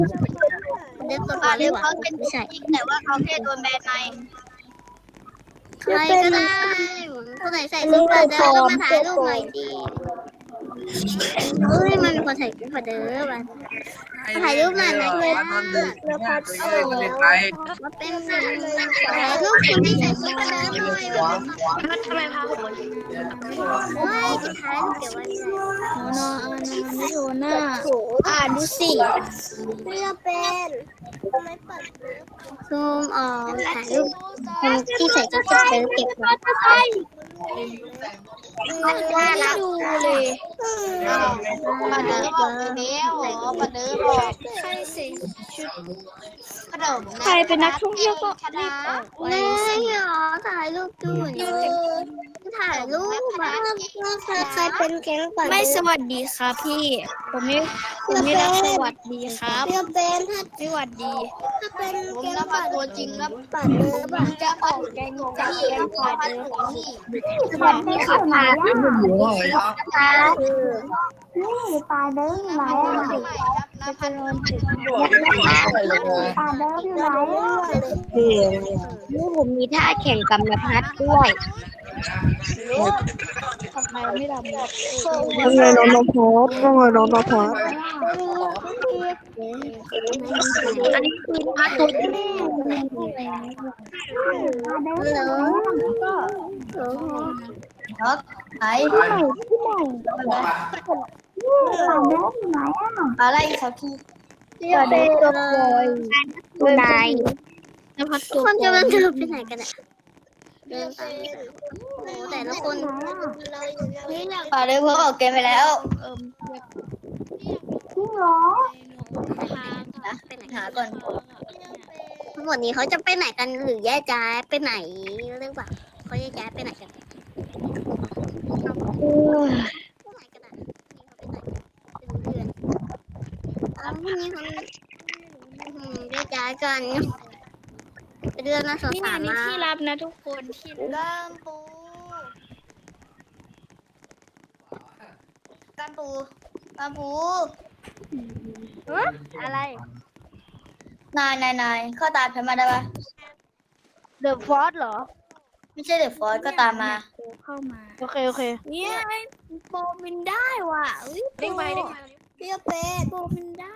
เดินตัวอ่าเลเดี๋ยยวว่ะเขาเป็นไม่ใช่จริงแต่ว่าเขาแค่โดนแบนในใครก็ได้คนไหนใส่ซุปเปอร์เดินก็มาถ่ายรูปหน่อยดิเฮ้ยมันมีคนใส่ซุปเปอร์เดินมาถ่ายรูปหน่อยนะคะมาเป็นถ่ายรูปคนที่ใส่ซุปเปอร์เดินหน่อยทำไมพาคนโอ้ยจะถ่ายรูปเก็บไว้ไม่ได้ไม่โดนน่ะดูสิเพื่อเป็นซูมออกถ่ายรูปคนที่ใส่ซุปเปอร์เดินเก็บไว้น่ารักดูเลยปาเดิมบอกไปแล้วเหรอปาเดิมบอกใครสิชุดขนมใครเป็นนักท่องเที่ยวก็รีบออกไปไม่เหรอถ่ายรูปดูถ่ายรูปแบบใครเป็นแก๊งปั่นไม่สวัสดีครับพี่ ผมไม่รับสวัสดีครับเพื่อเป็นถ้าสวัสดีเป็นผมแก๊งรับปั่นตัวจริงครับปั่นเนื้อแบบจะออกแกงจากแกงปลาเดิมนี่สวัสดีค่ะปลาเนื้อปลาเนื้อปลาเนื้ออยู่ไหนอ่ะจะเป็นวันจุดปลาเนื้ออยู่ไหนอ่ะนี่ผมมีท่าแข่งกับนภัสด้วยทำไมไม่ทำว่าไงน้องนภัสว่าไงน้องนภัสอันนี้คือท่าตัวจริงเหรอครับไหนอะไรครับพี่สวัสดีตัวบอยตัวนายนภัสทุตักวคนบจะอยมาเจอไปไหนกันอ่ะเดินไปแต่ละคนปลาเดิมเขาออกเกมไปแล้วไปไหนหาก่อนทั้งหมดนี้เขาจะไปไหนกันหรือแยกย้ายไปไหนหรือเปล่าเขาแยกย้ายไปไหนกันไปไหนกันอ่ะนี่เขาไปไหนเป็นเดือนแยกย้ายกันไปเดือนนะสาวนี่สานี่มาที่รับนะทุกคนที่กามปูกามปูกามปูอะไรนายเข้าตามฉันมาได้ปะเดอะฟอสเหรอไม่ใช่เดอะฟอสก็ตามมาเข้ามาโอเคโอเคเนี่ยโปรมินได้ว่ะเฮ้ยเด้งไปเด้งเปรี้ยวเป็ดโปรมินได้